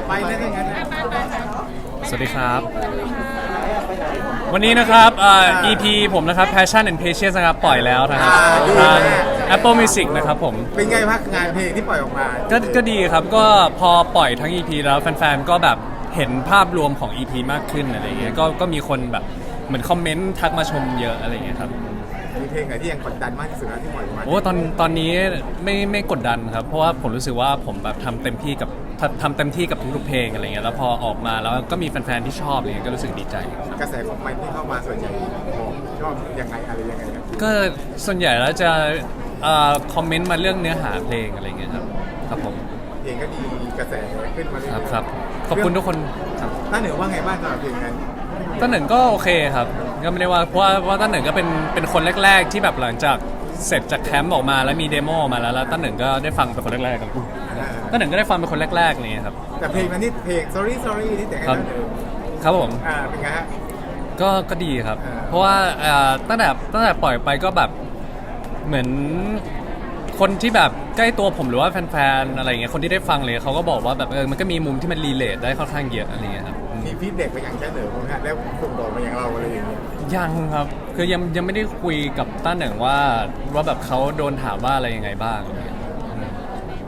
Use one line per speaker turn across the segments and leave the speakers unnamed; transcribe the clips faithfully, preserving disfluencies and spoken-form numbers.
ไปได้ยังไงนะ
สวัสดีครับ วันนี้นะครับเอ่อ อี พี ผมนะครับ Passion and Patience นะครับปล่อยแล้วทางทาง Apple Music นะครับผม
เป็นไงพักงานเพลงที่ปล่อยออกมา
ก็ก็ดีครับก็พอปล่อยทั้ง อี พี แล้วแฟนๆก็แบบเห็นภาพรวมของ อี พี มากขึ้นอะไรเงี้ยก็ก็มีคนแบบเหมือนคอมเมนต์ทักมาชมเยอะอะไรเงี้ยครับ
มีเพลงไหนที่ยังกดดันมากที่สุดนะที่ปล่อยออกมา
โอ้ตอนตอนนี้ไม่ไม่กดดันครับเพราะว่าผมรู้สึกว่าผมแบบทำเต็มที่กับทำทำเต็มที่กับทุกๆเพลงอะไรเงี้ยแล้วพอออกมาแล้วก็มีแฟนๆที่ชอบอะไรเงี้ยก็รู้สึกดีใจครับ
กระแสของมันที่เข้ามาส่วนใหญ่บอกชอบยังไงอะไรยังไงครับ
ก็ส่วนใหญ่แล้วจะเอ่อคอมเมนต์มาเรื่องเนื้อหาเพลงอะไรเงี้ยครับครับผม
เพลงก็ดีกระแสขึ้นมาเรื่อย
ครับ
ๆ
ครับขอบคุณทุกคนครับ
ต้าเหนือว่าไงบ้างสำหรับเพลงนั้น
ต้นหนึ่งก็โอเคครับก็ไม่ได้ว่าเพราะว่าเพราะว่าต้นหนึ่งก็เป็นเป็นคนแรกๆที่แบบหลังจากเสร็จจากแคมป์ออกมาแล้วมีเดโมออกมาแล้วแล้วต้นหนึ่งก็ได้ฟังเป็นคนแรกๆครับต้นหนึ่งก็ได้ฟังเป็นคนแรกๆอะไรเลยครับ
แต่เพลงนั้นที่เพลง sorry sorry ที่แต่งให้
ครับ
ต้าเหนือ
ครับผม
อ่าเป็นไงฮะ
ก็ก็ดีครับ
อ่า
เพราะว่าเอ่อตั้งแต่ตั้งแต่ปล่อยไปก็แบบเหมือนคนที่แบบใกล้ตัวผมหรือว่าแฟนๆอะไรเงี้ยคนที่ได้ฟังเลยเขาก็บอกว่าแบบเออมันก็มีมุมที่มันรีเลทได้ค่อนข้างเยอะอะไรเงี้ยครับ
มีฟีดแบ็กไปอย่างแค่เหนือผมฮะแล้วส่งต่อมาอย่างเราอะไรอย่างเงี้ย
ยังครับคือยังยังไม่ได้คุยกับต้าเหนึ่งว่าว่าแบบเขาโดนถามว่าอะไรยังไงบ้างอะไรเงี้ยอืม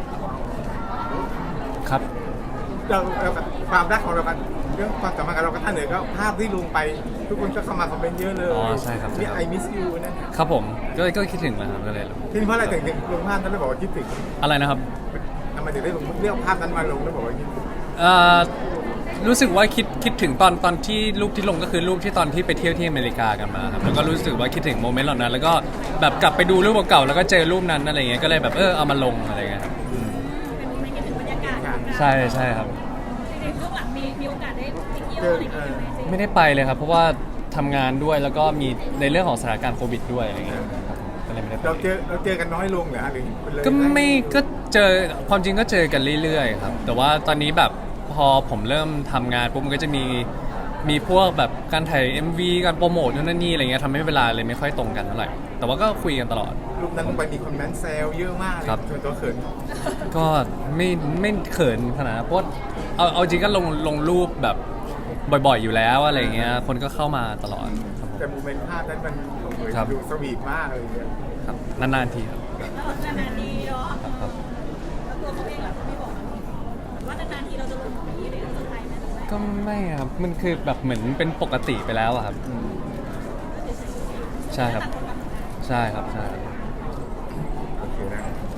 ครับ
เราเราความรักของเรากันเรื่องความสัมพันธ์กับเรากับท่านเหนือก็ภาพที่ลงไป ทุกคนก็เข้ามาคอมเมนต์เยอะเลย
อ๋อใช่ครับใช่
มี
ครับ
ไอมิสยูนั่น
ครับผมก็ก็คิดถึงนะครับก็เลย
ที่เพราะอะไรถึงถึงลงภาพนั้นแล้วบอกว่าคิดถึง
อะไรนะครับ
ทำไมถึงได้ลงเลือกภาพนั้นมาลงแล้วบอกว่าคิดถึง
เอ่อรู้สึกว่าคิดคิดถึงตอนตอนที่รูปที่ลงก็คือรูปที่ตอนที่ไปเที่ยวที่อเมริกากันมาครับแล้วก็รู้สึกว่าคิดถึงโมเมนต์เหล่านั้น แล้วก็แบบกลับไปดูรูปเก่าๆแล้วก็เจอรูปนั้นอะไรเงี้ยก็เลยแบบเออเอามาลงอะไรเงี้ยครับอืม
ไม่คิดถึงบรรยากาศของเรา
ใช่ใช่ครับ
จริงๆช่วงหลังมีมีโอกาสได้ไปเที่ยว
เจอ
อะไรอย่าง
เอ
เงี้ย
อ
ไหมจริง
ไม่ได้ไปเลยครับ เพราะว่าทำงานด้วยแล้วก็มีในเรื่องของสถานการณ์โควิดด้วยอะไรเงี้ยครับก็เลยไม่ได้ไป
เราเจอเราเจอกันน้อยลงเหรอฮะหรือเลย
ก็ไม่ก็เจอความจริงก็เจอกันเรื่อยๆครับแต่ว่าตอนนี้แบบพอผมเริ่มทำงานปุ๊บมันก็จะมีมีพวกแบบการถ่าย เอ็ม วี การโปรโมทนู่นนั่นนี่อะไรเงี้ยทำให้เวลาเลยไม่ค่อยตรงกันเท่าไหร่แต่ว่าก็คุยกันตลอด
รูปนั้นลงไปมีคอมเมนต์แซวเยอะมากเลย
ครับ
ส่วนตัวเขิน
ก็ไม่ไม่เขินขนาดนั้นเพราะว่าเอาเอาจริงก็ลงลงรูปแบบบ่อยๆอยู่แล้วอะไรเงี้ยคนก็เข้ามาตลอดครับผม
แต่โมเมนต์ภาพนั้นมันโอ้โห
ครับ
ดูสวีทมากอะไรอย่างเงี้ย
ครับนานๆทีครับ
ๆนานๆทีเนาะ
ครับครับ
แล้วตัวเขาเองล่ะเขาไม่บอกว่านานๆทีเราจะลงแบบนี้ในเมืองไทยไหมหรือไม่
ก็ไม่ครับมันคือแบบเหมือนเป็นปกติไปแล้วอะครับอืมใช่ครับใช่ครับใช่ครับ
โอเคนะ